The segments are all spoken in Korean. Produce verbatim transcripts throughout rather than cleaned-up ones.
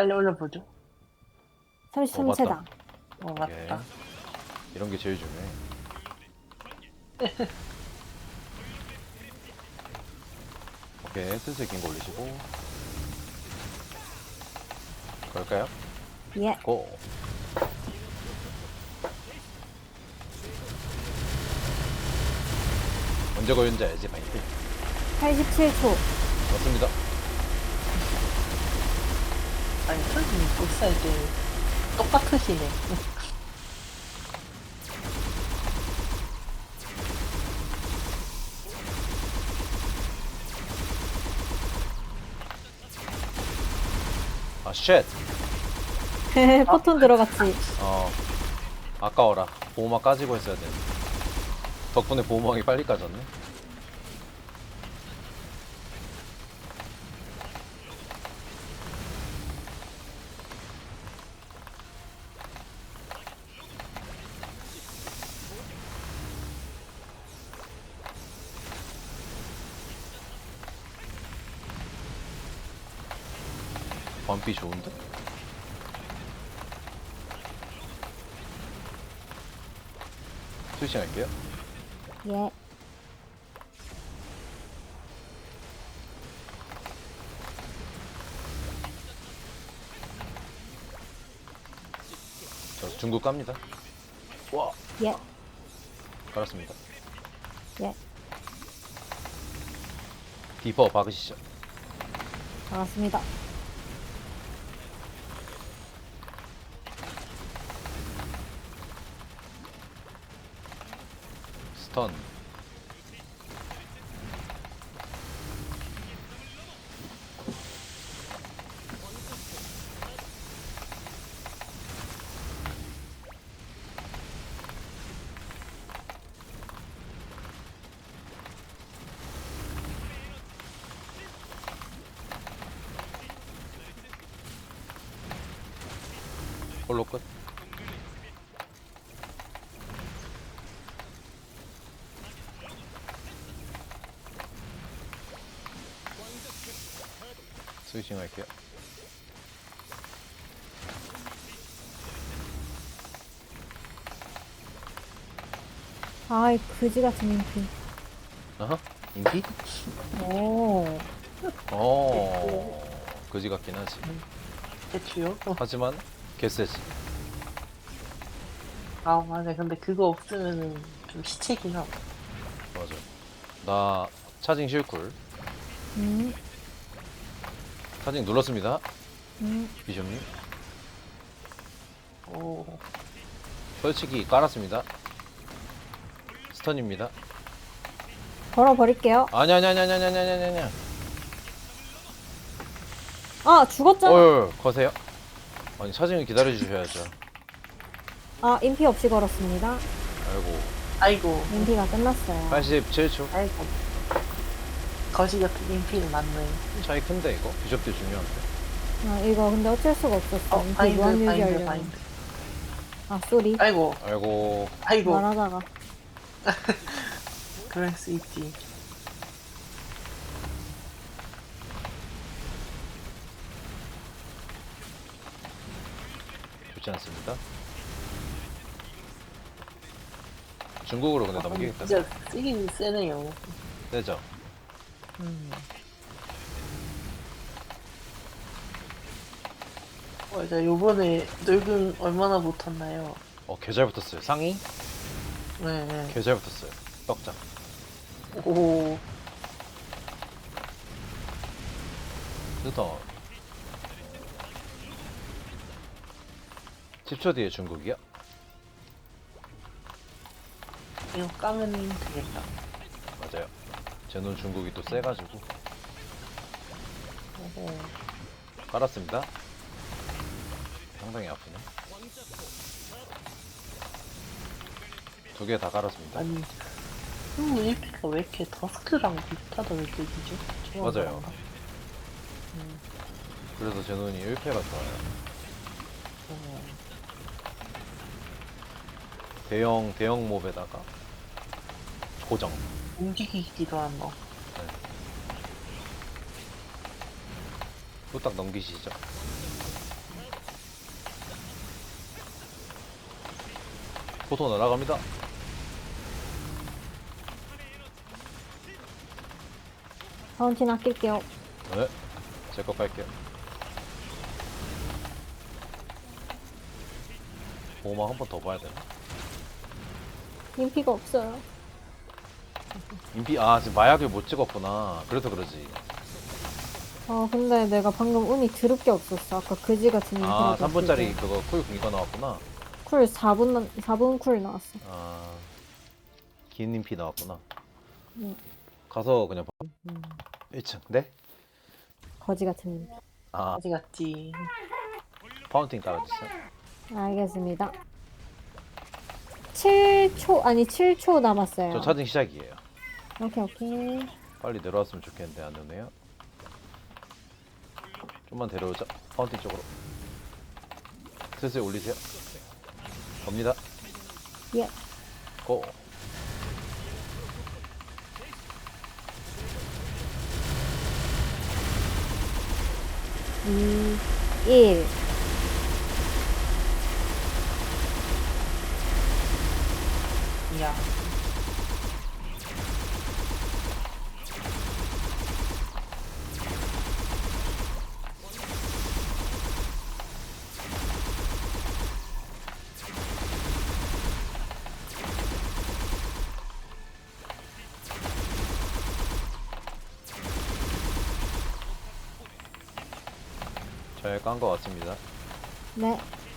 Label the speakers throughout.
Speaker 1: 빨리 올려보죠.
Speaker 2: 삼십삼 세다.
Speaker 1: 어,
Speaker 3: 오케이.
Speaker 1: 맞다.
Speaker 3: 이런 게 제일 중요해. 오케이, 슬슬 긴 거 올리시고. 걸까요?
Speaker 2: 예.
Speaker 3: 고! 언제 걸는지 알지, 마이크?
Speaker 2: 팔십칠 초.
Speaker 3: 맞습니다.
Speaker 1: 아니, 선생님 복사할 때 똑같으시네.
Speaker 3: 아, 쉣!
Speaker 2: 포톤 들어갔지.
Speaker 3: 어, 아까워라. 보호막 까지고 했어야 되는데. 덕분에 보호막이 빨리 까졌네. 범비 좋은데? 스위칭 할게요.
Speaker 2: 예.
Speaker 3: 저 중국 갑니다. 와!
Speaker 2: 예.
Speaker 3: 깔았습니다.
Speaker 2: 예.
Speaker 3: 디퍼 박으시죠.
Speaker 2: 반갑습니다.
Speaker 3: 스턴. 홀로 끝. 스위칭 할게요.
Speaker 2: 아이, 그지 같은 인피.
Speaker 3: 아하, 인기?
Speaker 2: 오.
Speaker 3: 어, 그지 같긴 하지.
Speaker 1: 대추요? 어.
Speaker 3: 하지만 개쎄지.
Speaker 1: 아, 맞아. 근데 그거 없으면은 좀 시체긴 하고.
Speaker 3: 맞아. 나 차징 실쿨.
Speaker 2: 음.
Speaker 3: 차징 눌렀습니다.
Speaker 2: 음.
Speaker 3: 비숍님.
Speaker 1: 오.
Speaker 3: 솔직히 깔았습니다. 스턴입니다.
Speaker 2: 걸어버릴게요.
Speaker 3: 아니 아니 아니 아니 아니 아니 아니 아니.
Speaker 2: 아, 죽었잖아.
Speaker 3: 어휴, 거세요. 아니 차징을 기다려 주셔야죠.
Speaker 2: 아, 인피 없이 걸었습니다.
Speaker 3: 아이고.
Speaker 1: 아이고.
Speaker 2: 인피가 끝났어요.
Speaker 3: 팔십칠 초.
Speaker 1: 아이고. 거지 같은 인피는 맞네.
Speaker 3: 차이 큰데 이거? 비숍도 중요한데.
Speaker 2: 아, 이거 근데 어쩔 수가 없었어.
Speaker 1: 어,
Speaker 2: 인피
Speaker 1: 바인드,
Speaker 2: 무한
Speaker 1: 바인드,
Speaker 2: 유지하려면.
Speaker 1: 바인드.
Speaker 2: 아, 쏘리.
Speaker 1: 아이고.
Speaker 3: 아이고.
Speaker 1: 아이고.
Speaker 2: 말하다가.
Speaker 1: 그럴 수 있지.
Speaker 3: 좋지 않습니다. 중국으로 근데 넘기겠다.
Speaker 1: 진짜 쓰긴 세네요.
Speaker 3: 되죠?
Speaker 1: 음. 맞아, 요번에 늙은 얼마나 못 탔나요?
Speaker 3: 어, 개 잘 붙었어요. 상의?
Speaker 1: 네, 네.
Speaker 3: 개 잘 붙었어요. 떡장.
Speaker 1: 오,
Speaker 3: 좋다. 십 초 뒤에 중국이요?
Speaker 1: 이거 까면 되겠다.
Speaker 3: 맞아요. 제 눈 중국이 또 세가지고.
Speaker 1: 오,
Speaker 3: 깔았습니다. 상당히 아프네. 두 개 다 깔았습니다.
Speaker 1: 아니, 스무 일 피가 왜 이렇게 더스크랑 비슷하다 느껴지죠? 좋아,
Speaker 3: 맞아요.
Speaker 1: 그런가? 음,
Speaker 3: 그래서 제 눈이 일 패가 좋아요.
Speaker 1: 어,
Speaker 3: 대형, 대형 몹에다가 고정.
Speaker 1: 움직이기도 한 거.
Speaker 3: 후딱 넘기시죠. 포토 날아갑니다.
Speaker 2: 파운틴 아낄게요.
Speaker 3: 네. 제 거 깔게요. 보호막 한 번 더 봐야 되나?
Speaker 2: 인피가 없어요.
Speaker 3: 인피, 아, 지금 마약을 못 찍었구나. 그래서 그러지.
Speaker 2: 아 근데 내가 방금 운이 드럽게 없었어. 아까 그지 같은 인피를
Speaker 3: 아,
Speaker 2: 줬을
Speaker 3: 삼 분짜리
Speaker 2: 때.
Speaker 3: 그거 쿨 이거 나왔구나.
Speaker 2: 쿨 사 분 사 분 쿨 나왔어.
Speaker 3: 아, 긴 인피 나왔구나.
Speaker 2: 응.
Speaker 3: 가서 그냥 봐. 일 층. 네?
Speaker 2: 거지 같은 인피.
Speaker 3: 아,
Speaker 1: 어디 갔지?
Speaker 3: 파운틴 깔아주세요.
Speaker 2: 알겠습니다. 칠 초 아니 칠 초 남았어요.
Speaker 3: 저 차징 시작이에요.
Speaker 2: 오케이 오케이.
Speaker 3: 빨리 내려왔으면 좋겠는데 안 오네요. 좀만 데려오자. 파운틴 쪽으로. 슬슬 올리세요. 네. 갑니다.
Speaker 2: 예.
Speaker 3: 고.
Speaker 2: 이, 일.
Speaker 1: 야.
Speaker 3: 잘 깐 것 같습니다.
Speaker 2: 네.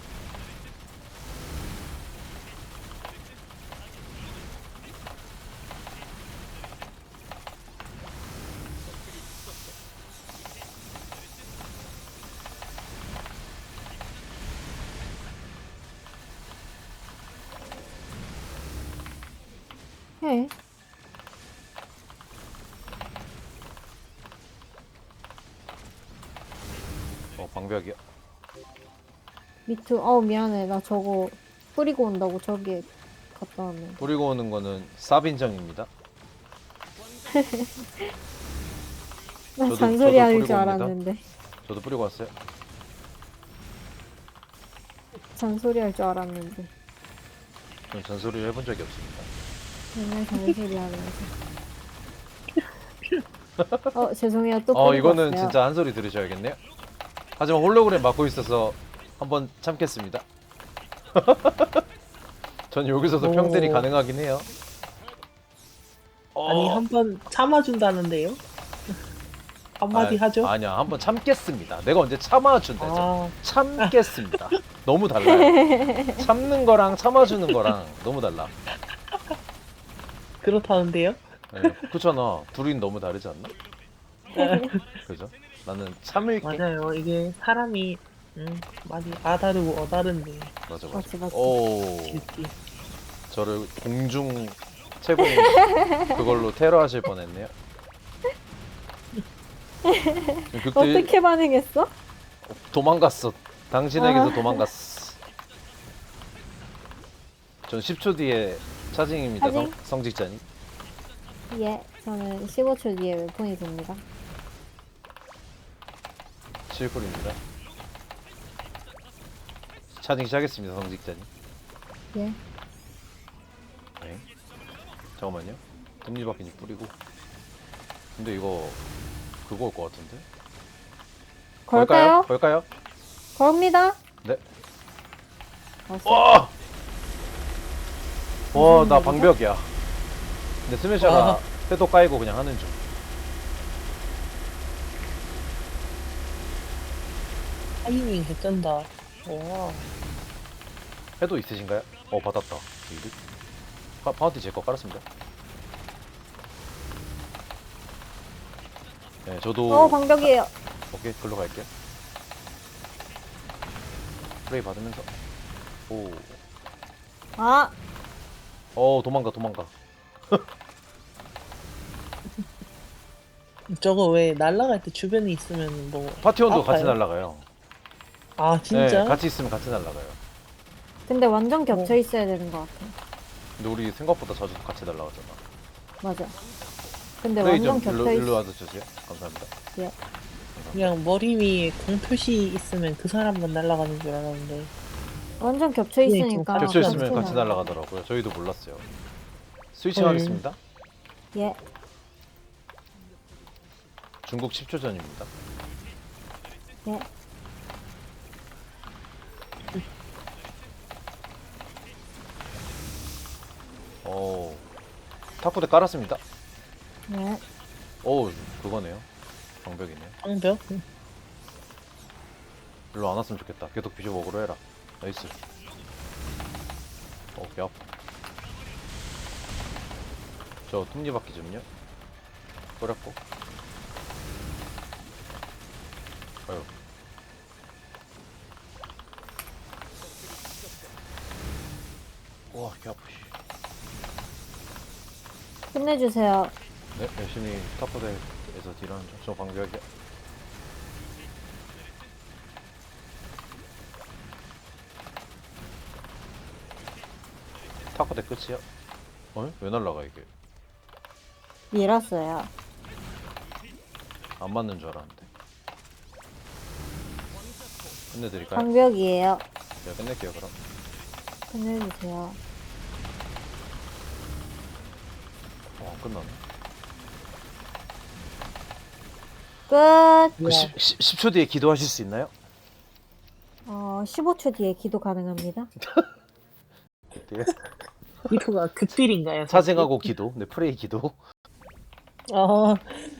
Speaker 2: 해.
Speaker 3: 어, 방벽이요.
Speaker 2: 미투. 어우 미안해. 나 저거 뿌리고 온다고 저기에 갔다 왔네.
Speaker 3: 뿌리고 오는 거는 쌉인정입니다.
Speaker 2: 나
Speaker 3: 저도-
Speaker 2: 잔소리
Speaker 3: 저도
Speaker 2: 할
Speaker 3: 뿌리고
Speaker 2: 줄
Speaker 3: 옵니다.
Speaker 2: 알았는데.
Speaker 3: 저도 뿌리고 왔어요.
Speaker 2: 잔소리 할 줄 알았는데.
Speaker 3: 저는 잔소리를 해본 적이 없습니다.
Speaker 2: 맨날 잔소리 하면서. 어 죄송해요. 또
Speaker 3: 어,
Speaker 2: 뿌리고
Speaker 3: 이거는
Speaker 2: 왔어요.
Speaker 3: 진짜 한 소리 들으셔야겠네요. 하지만 홀로그램 맡고 있어서 한번 참겠습니다. 전 여기서도
Speaker 1: 오.
Speaker 3: 평들이 가능하긴 해요. 어,
Speaker 1: 아니 한 번 참아준다는데요? 한마디
Speaker 3: 아,
Speaker 1: 하죠?
Speaker 3: 아니야, 한번 참겠습니다. 내가 언제 참아준다죠?
Speaker 1: 아,
Speaker 3: 참겠습니다. 너무 달라요. 참는 거랑 참아주는 거랑 너무 달라.
Speaker 1: 그렇다는데요?
Speaker 3: 네, 그렇잖아. 둘이 너무 다르지 않나? 그죠? 나는 참을게.
Speaker 1: 맞아요. 이게 사람이 음, 많이 아다르고 어다른데
Speaker 3: 맞아, 맞아.
Speaker 2: 맞지, 맞지.
Speaker 3: 오,
Speaker 1: 질지.
Speaker 3: 저를 공중 채공 그걸로 테러하실 뻔했네요. 그때
Speaker 2: 어떻게 반응했어?
Speaker 3: 도망갔어. 당신에게서
Speaker 2: 아.
Speaker 3: 도망갔어. 전 십 초 뒤에 차징입니다. 성,
Speaker 2: 차징?
Speaker 3: 성직자님.
Speaker 2: 예. 저는 십오 초 뒤에 웹폰이 됩니다.
Speaker 3: 칠 쿨입니다. 차징 시작했습니다. 성직자님.
Speaker 2: 예.
Speaker 3: 네. 잠깐만요. 톱니바퀴니 뿌리고. 근데 이거 그거 올 것 같은데?
Speaker 2: 걸까요?
Speaker 3: 걸까요?
Speaker 2: 겁니다.
Speaker 3: 네.
Speaker 2: 왔어.
Speaker 3: 와! 와,
Speaker 2: 무슨
Speaker 3: 나
Speaker 2: 일이죠?
Speaker 3: 방벽이야. 근데 스매셔가
Speaker 1: 아.
Speaker 3: 패도 까이고 그냥 하는 중.
Speaker 1: 타이밍 개쩐다. 와.
Speaker 3: 패도 있으신가요? 어, 받았다. 이리. 파, 파운티 제 거 깔았습니다. 네, 저도.
Speaker 2: 어 방벽이에요.
Speaker 3: 오케이, 글로 갈게요. 프레이 받으면서. 오.
Speaker 2: 아
Speaker 3: 어, 도망가, 도망가.
Speaker 1: 저거 왜 날아갈 때 주변에 있으면 뭐
Speaker 3: 파티원도 같이
Speaker 1: 아파요?
Speaker 3: 날아가요.
Speaker 1: 아 진짜?
Speaker 3: 네, 같이 있으면 같이 날아가요.
Speaker 2: 근데 완전 겹쳐
Speaker 1: 어.
Speaker 2: 있어야 되는 것 같아.
Speaker 3: 근데 우리 생각보다 자주 같이 날아가잖아.
Speaker 2: 맞아. 근데
Speaker 3: 프레이
Speaker 2: 완전
Speaker 3: 좀 일로,
Speaker 2: 겹쳐
Speaker 3: 일로
Speaker 2: 있어.
Speaker 3: 와서 주세요. 감사합니다.
Speaker 2: 예.
Speaker 1: 그냥 머리 위에 공 표시 있으면 그 사람만 날아가는 줄 알았는데
Speaker 2: 완전 겹쳐 있으니까.
Speaker 1: 아,
Speaker 3: 겹쳐 있으면
Speaker 2: 같이
Speaker 3: 같이
Speaker 2: 날아가.
Speaker 3: 날아가더라고요. 저희도 몰랐어요. 스위칭
Speaker 1: 헐.
Speaker 3: 하겠습니다.
Speaker 2: 예.
Speaker 3: 중국 십 초 전입니다.
Speaker 2: 예.
Speaker 3: 오, 탁구대 깔았습니다.
Speaker 2: 네.
Speaker 3: 오, 그거네요. 방벽이네.
Speaker 1: 방벽?
Speaker 3: 일로 안 왔으면 좋겠다. 계속 비숍 먹으로 해라. 나이스. 어, 개 아파. 저 톱니바퀴 좀요. 뿌렸고. 아유. 와, 개 아프시.
Speaker 2: 끝내주세요.
Speaker 3: 네, 열심히 탑포대에서 딜하는 중. 저 방벽이야. 탑포대 끝이야? 어? 왜 날라가 이게?
Speaker 2: 밀었어요.
Speaker 3: 안 맞는 줄 알았는데. 끝내드릴까요?
Speaker 2: 방벽이에요.
Speaker 3: 제가 끝낼게요 그럼.
Speaker 2: 끝내주세요.
Speaker 3: 어, 안 끝나네.
Speaker 2: 끝.
Speaker 3: 그 십, 십 초 뒤에 기도하실 수 있나요?
Speaker 2: 어, 십오 초 뒤에 기도 가능합니다.
Speaker 3: 어떻게?
Speaker 1: 이거가 극딜인가요?
Speaker 3: 사생하고 기도. 네, 프레이 기도.
Speaker 1: 아,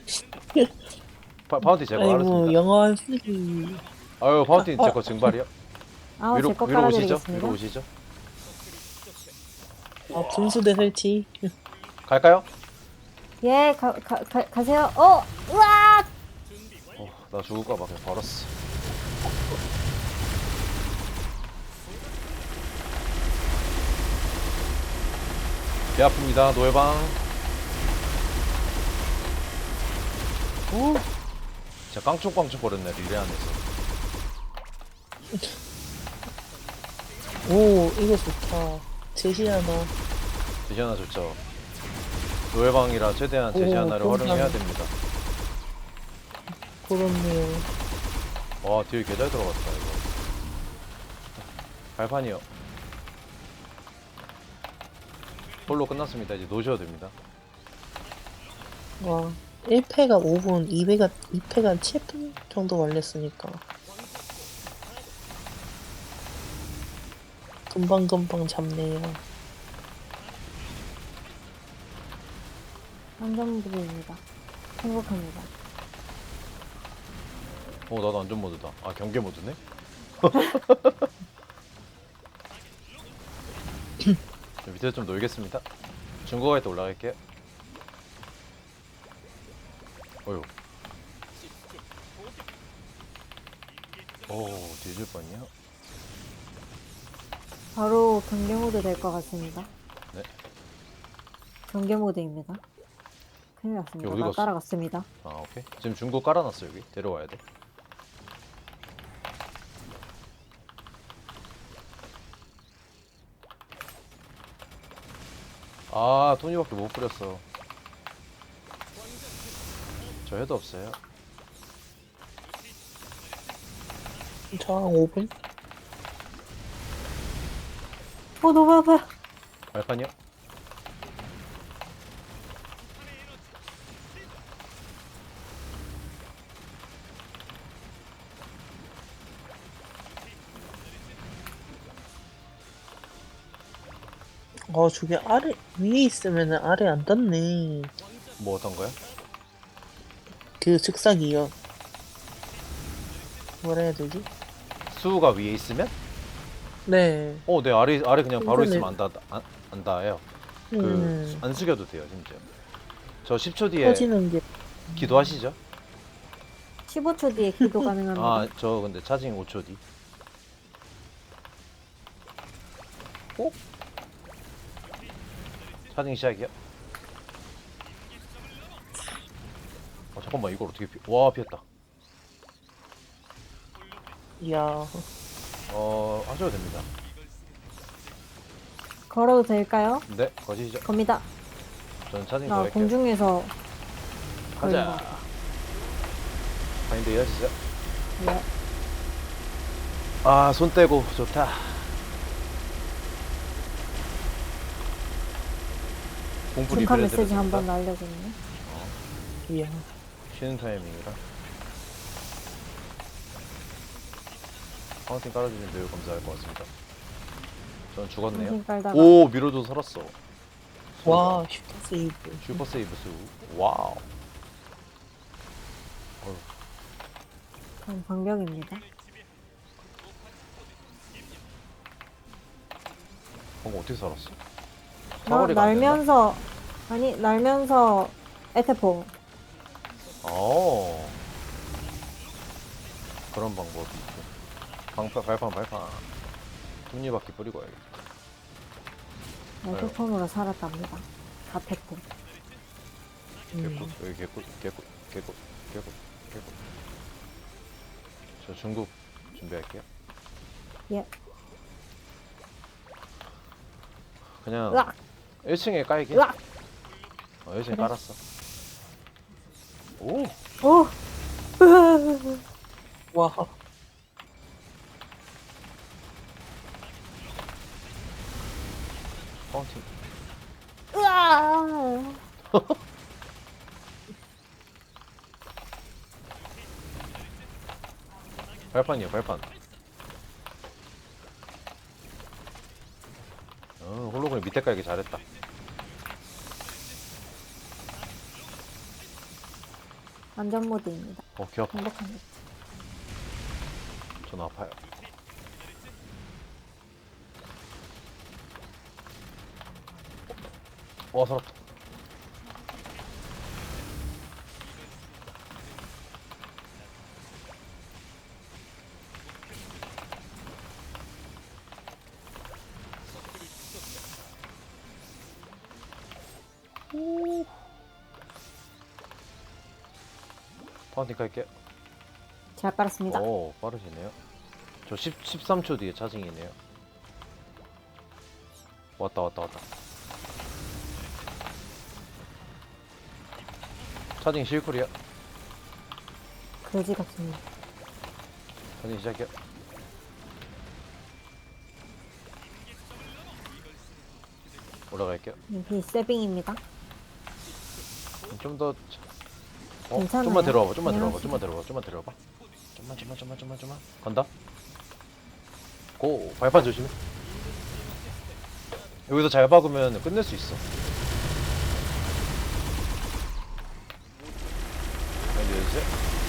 Speaker 3: 파, 파운틴 제거
Speaker 1: 아이고,
Speaker 3: 알았습니다.
Speaker 1: 영어 쓰기.
Speaker 3: 아유, 파운틴
Speaker 1: 아,
Speaker 3: 제거 증발이요?
Speaker 2: 아우,
Speaker 3: 위로,
Speaker 2: 제거
Speaker 3: 위로 오시죠?
Speaker 2: 깔아드리겠습니다.
Speaker 3: 위로 오시죠?
Speaker 1: 아, 분수대 설치.
Speaker 3: 갈까요?
Speaker 2: 예, 가, 가, 가, 가세요. 어! 으악!
Speaker 3: 어, 나 죽을까봐 그냥 벌었어. 배 아픕니다. 노예방. 오. 진짜 깡총깡총 거렸네 릴레 안에서.
Speaker 1: 오, 이거 좋다. 제시하나.
Speaker 3: 제시 하나 좋죠. 노예방이라 최대한 제시
Speaker 1: 오,
Speaker 3: 하나를
Speaker 1: 감사합니다.
Speaker 3: 활용해야 됩니다.
Speaker 1: 그렇네요.
Speaker 3: 와, 딜 개잘 들어갔다 이거. 발판이요. 홀로 끝났습니다. 이제 노셔도 됩니다.
Speaker 1: 와, 일 패가 오 분, 이 패가, 이 패가 칠 분 정도 걸렸으니까. 금방금방 잡네요.
Speaker 2: 안전부입니다. 행복합니다.
Speaker 3: 어, 나도 안전 모드다. 아, 경계 모드네? 저 밑에서 좀 놀겠습니다. 중국어 할 때 올라갈게요. 어휴. 오, 뒤질 뻔이야.
Speaker 2: 바로 경계 모드 될 것 같습니다.
Speaker 3: 네.
Speaker 2: 경계 모드입니다. 큰일 났습니다.
Speaker 3: 어디
Speaker 2: 나
Speaker 3: 갔어?
Speaker 2: 따라갔습니다.
Speaker 3: 아, 오케이. 지금 중국 깔아놨어, 여기. 데려와야 돼. 아, 토니밖에 못 뿌렸어. 저 해도 없어요.
Speaker 1: 저항 오 분?
Speaker 2: 어, 너무 아파요.
Speaker 3: 발판이요?
Speaker 1: 아, 저게 아래, 위에 있으면 아래 안 닿네.
Speaker 3: 뭐 어떤 거요?
Speaker 1: 그 즉사기요. 뭐라 해야 되지?
Speaker 3: 수가 위에 있으면?
Speaker 1: 네.
Speaker 3: 어, 네, 아래, 아래 그냥 바로
Speaker 1: 인터넷.
Speaker 3: 있으면 안 닿, 안, 안 닿아요. 그,
Speaker 1: 음,
Speaker 3: 안 숙여도 돼요, 심지어. 저 십 초 뒤에
Speaker 1: 터지는 게.
Speaker 3: 기도하시죠?
Speaker 2: 십오 초 뒤에 기도 가능합니다.
Speaker 3: 아, 저 근데 차징 오 초 뒤. 어? 차징 시작이야? 어, 잠깐만, 이걸 어떻게 피... 와, 피했다.
Speaker 1: 이야.
Speaker 3: 어, 하셔도 됩니다.
Speaker 2: 걸어도 될까요?
Speaker 3: 네, 거시죠.
Speaker 2: 겁니다.
Speaker 3: 저는 차징 더
Speaker 2: 나
Speaker 3: 할게요.
Speaker 2: 공중에서
Speaker 3: 가자. 바인드 이어지죠.
Speaker 2: 네.
Speaker 3: 아, 손 떼고 좋다. 공풀이
Speaker 2: 중간
Speaker 3: 브랜드를
Speaker 2: 메시지 한번
Speaker 3: 씁니다.
Speaker 2: 날려줬네.
Speaker 1: 이야.
Speaker 3: 쉬는 타이밍이라. 파운틴 깔아주시면 매우 감사할 것 같습니다. 전 죽었네요.
Speaker 2: 정신 깔다가
Speaker 3: 오 밀어도 살았어.
Speaker 1: 와, 슈퍼 세이브.
Speaker 3: 슈퍼 세이브 수. 와우. 어휴,
Speaker 2: 그럼 반격입니다.
Speaker 3: 방금 어떻게 살았어?
Speaker 2: 나,
Speaker 3: 사거리가 안 되나?
Speaker 2: 날면서 아니 날면서 에테포.
Speaker 3: 어. 그런 방법이 있고. 방파 발판 발판. 톱니바퀴 뿌리고 와야겠다.
Speaker 2: 에테폰으로 살았답니다. 사테포.
Speaker 3: 개꿀
Speaker 1: 음.
Speaker 3: 여기 개꿀 개꿀 개꿀 개꿀 개꿀. 저 중국 준비할게요.
Speaker 2: 예.
Speaker 3: 그냥
Speaker 2: 으악!
Speaker 3: 일 층에 깔게.
Speaker 2: 으악!
Speaker 3: 어, 일 층에
Speaker 2: 그래.
Speaker 3: 깔았어. 오.
Speaker 2: 오.
Speaker 1: 와,
Speaker 3: 파운틴.
Speaker 2: 으아!
Speaker 3: 발판이요 발판. 어 홀로그램 밑에 깔기 잘했다.
Speaker 2: 안전 모드입니다.
Speaker 3: 어 귀 아파.
Speaker 2: 행복한 것.
Speaker 3: 전 아파요. 어 살았다. 파운틴 깔게요.
Speaker 2: 잘 깔았습니다.
Speaker 3: 오 빠르시네요. 저 십, 십삼 초 뒤에 차징이네요. 왔다 왔다 왔다. 차징 실쿨이야.
Speaker 2: 그지 같습니다.
Speaker 3: 차징 시작이야. 올라갈게요.
Speaker 2: 여기 세빙입니다.
Speaker 3: 좀 더. 어,
Speaker 2: 괜찮아요.
Speaker 3: 좀만 데려와봐. 좀만 데려와봐.
Speaker 2: 안녕하세요.
Speaker 3: 좀만 데려와봐. 좀만 데려와봐. 좀만 좀만 좀만 좀만 좀만. 간다. 고 발판 조심해. 여기서 잘 박으면 끝낼 수 있어. 알려주세요.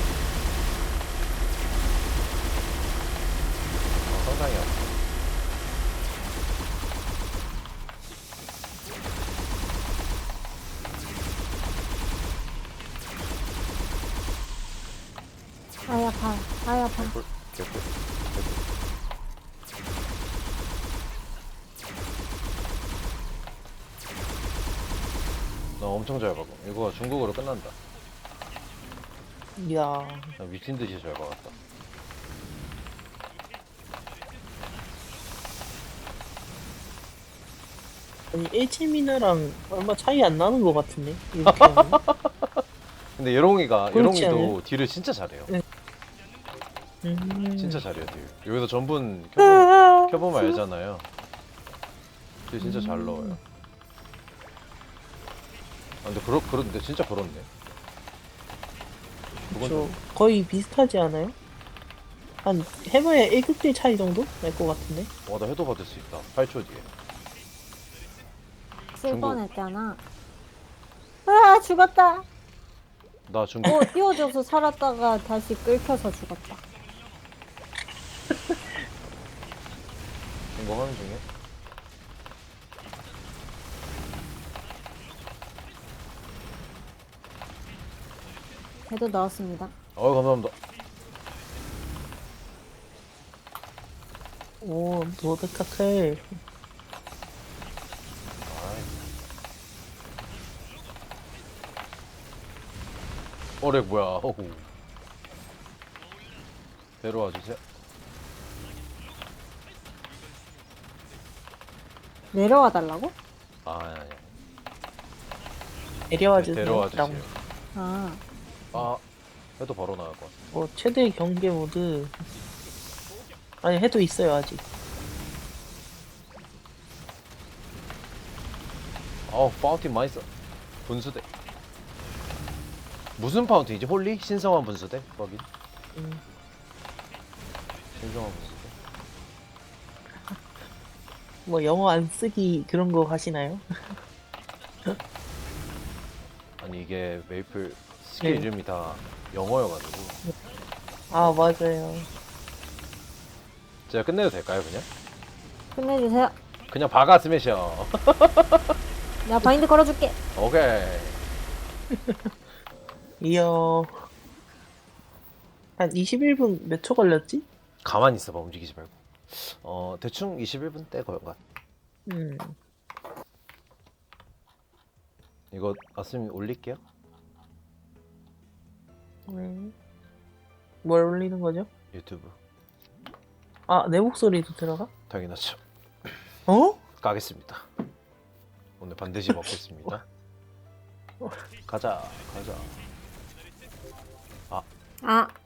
Speaker 3: 아, 상당히 아파.
Speaker 2: 아야 파. 아야 파.
Speaker 3: 개꿀, 개꿀, 개꿀. 나 엄청 잘 박음. 이거 중국어로 끝난다.
Speaker 1: 이야.
Speaker 3: 나 미친 듯이 잘 박았다.
Speaker 1: 아니, 일체미나랑 얼마 차이 안 나는 것 같은데? 이렇게 하면?
Speaker 3: 근데 예롱이가
Speaker 1: 그렇지
Speaker 3: 예롱이도
Speaker 1: 않아요?
Speaker 3: 딜을 진짜 잘해요.
Speaker 1: 네. 음.
Speaker 3: 진짜 잘해요 딜. 여기서 전분 켜보면, 켜보면 알잖아요. 딜 진짜 잘
Speaker 1: 음.
Speaker 3: 넣어요. 아 근데 그렇 그런데 진짜 그렇네. 그건
Speaker 1: 저
Speaker 3: 좀,
Speaker 1: 거의 비슷하지 않아요? 한 해봐야 일 급대 차이 정도 날 것 같은데?
Speaker 3: 와나 해도 받을 수 있다. 팔 초 뒤에.
Speaker 2: 쓸
Speaker 3: 중국.
Speaker 2: 뻔했잖아. 아 죽었다.
Speaker 3: 나 중국.
Speaker 2: 오 띄워줘서 살았다가 다시 끌켜서 죽었다.
Speaker 3: 이거 하는 중에.
Speaker 2: 해도 넣었습니다.
Speaker 3: 어 감사합니다.
Speaker 1: 오, 노드카클.
Speaker 3: 아이. 어렉 뭐야? 어후. 데려와 주세요.
Speaker 2: 내려와 달라고?
Speaker 3: 아 아니 아니.
Speaker 1: 데려와
Speaker 3: 데-
Speaker 1: 주세요.
Speaker 3: 데려와
Speaker 1: 라고.
Speaker 3: 주세요.
Speaker 2: 아
Speaker 3: 아 해도 바로 나갈 것 같아.
Speaker 1: 뭐 최대 경계 모드. 아니, 해도 있어요, 아직.
Speaker 3: 어우 파운틴 많이 써. 분수대. 무슨 파운틴이지? 홀리? 신성한 분수대? 거긴?
Speaker 1: 음.
Speaker 3: 신성한 분수대.
Speaker 1: 뭐 영어 안 쓰기 그런 거 하시나요?
Speaker 3: 아니 이게 메이플 스킬
Speaker 1: 네.
Speaker 3: 이름이 다 영어여가지고.
Speaker 1: 아 맞아요.
Speaker 3: 제가 끝내도 될까요 그냥?
Speaker 2: 끝내주세요.
Speaker 3: 그냥 박아 스매셔.
Speaker 2: 내가 바인드 걸어줄게.
Speaker 3: 오케이.
Speaker 1: 이어 한 이십일 분 몇 초 걸렸지?
Speaker 3: 가만히 있어봐 움직이지 말고. 어 대충 이십일 분 때 걸것 같아.
Speaker 1: 음.
Speaker 3: 이거 아스님 올릴게요.
Speaker 1: 네. 뭘 올리는 거죠?
Speaker 3: 유튜브.
Speaker 1: 아, 내 목소리도 들어가?
Speaker 3: 당연하죠.
Speaker 1: 어?
Speaker 3: 가겠습니다. 오늘 반드시 먹겠습니다. 가자 가자.
Speaker 2: 아,